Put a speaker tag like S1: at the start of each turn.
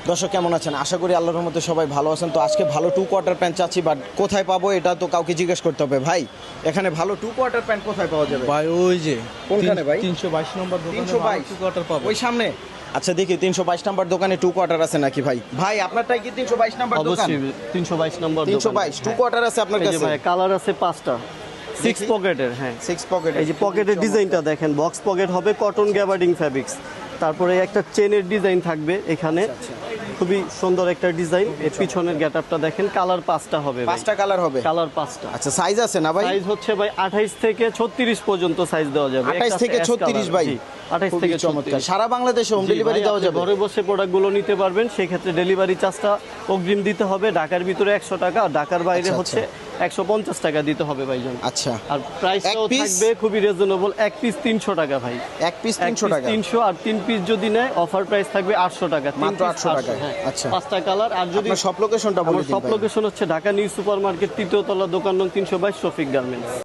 S1: দর্শক কেমন আছেন? আশা করি আল্লাহর রহমতে সবাই ভালো আছেন। তো আজকে ভালো 2 কোয়ার্টার প্যান্ট চাচ্ছি, বাট কোথায় পাবো এটা তো কাউকে জিজ্ঞেস করতে হবে। ভাই এখানে ভালো 2 কোয়ার্টার প্যান্ট কোথায় পাওয়া যাবে?
S2: ভাই ওই যে
S1: কোনখানে ভাই?
S2: 322 নম্বর দোকানে
S1: 322
S2: 2 কোয়ার্টার পাবো।
S1: ওই সামনে। আচ্ছা দেখি 322 নাম্বার দোকানে 2 কোয়ার্টার আছে নাকি ভাই? ভাই আপনারটাই কি 322 নাম্বার দোকান?
S3: অবশ্যই 322 নম্বর
S1: 322 2 কোয়ার্টার আছে আপনার
S3: এই যে
S1: কাছে?
S3: ভাই কালার আছে 5টা 6 পকেটের। হ্যাঁ
S1: 6 পকেট।
S3: এই যে পকেটের ডিজাইনটা দেখেন, বক্স পকেট হবে, কটন গ্যাবার্ডিং ফ্যাব্রিক্স। তারপরে একটা চেনের ডিজাইন থাকবে এখানে, খুবই সুন্দর একটা ডিজাইন। এর পিছনের গেটআপটা দেখেন, কালার 5টা হবে,
S1: 5টা কালার হবে।
S3: কালার 5টা।
S1: আচ্ছা সাইজ আছে না ভাই?
S3: সাইজ হচ্ছে ভাই 28 থেকে 36 পর্যন্ত সাইজ দেওয়া যাবে।
S1: 28 থেকে 36 ভাই।
S3: 28 থেকে 36।
S1: সারা বাংলাদেশে হোম ডেলিভারি দেওয়া যাবে?
S3: ঘরে বসে প্রোডাক্টগুলো নিতে পারবেন, সেই ক্ষেত্রে ডেলিভারি চার্জটা অগ্রিম দিতে হবে। ঢাকার ভিতরে 100 টাকা, আর ঢাকার বাইরে হচ্ছে 150 টাকা দিতে হবে ভাইজান।
S1: আচ্ছা
S3: আর প্রাইসটাও থাকবে খুবই রিজনেবল। এক পিস 300 টাকা ভাই।
S1: এক পিস 300 টাকা?
S3: 300, আর 3 পিস যদি নেয় অফার প্রাইস থাকবে 800 টাকা।
S1: মাত্র 800 টাকা। আচ্ছা
S3: 5টা কালার। আর যদি
S1: সব লোকেশনটা বলে দিন
S3: সব
S1: ভাই।
S3: লোকেশন হচ্ছে ঢাকা নিউ সুপার মার্কেট, 3য় তলা, দোকান নং 322, শফিক গার্মেন্টস।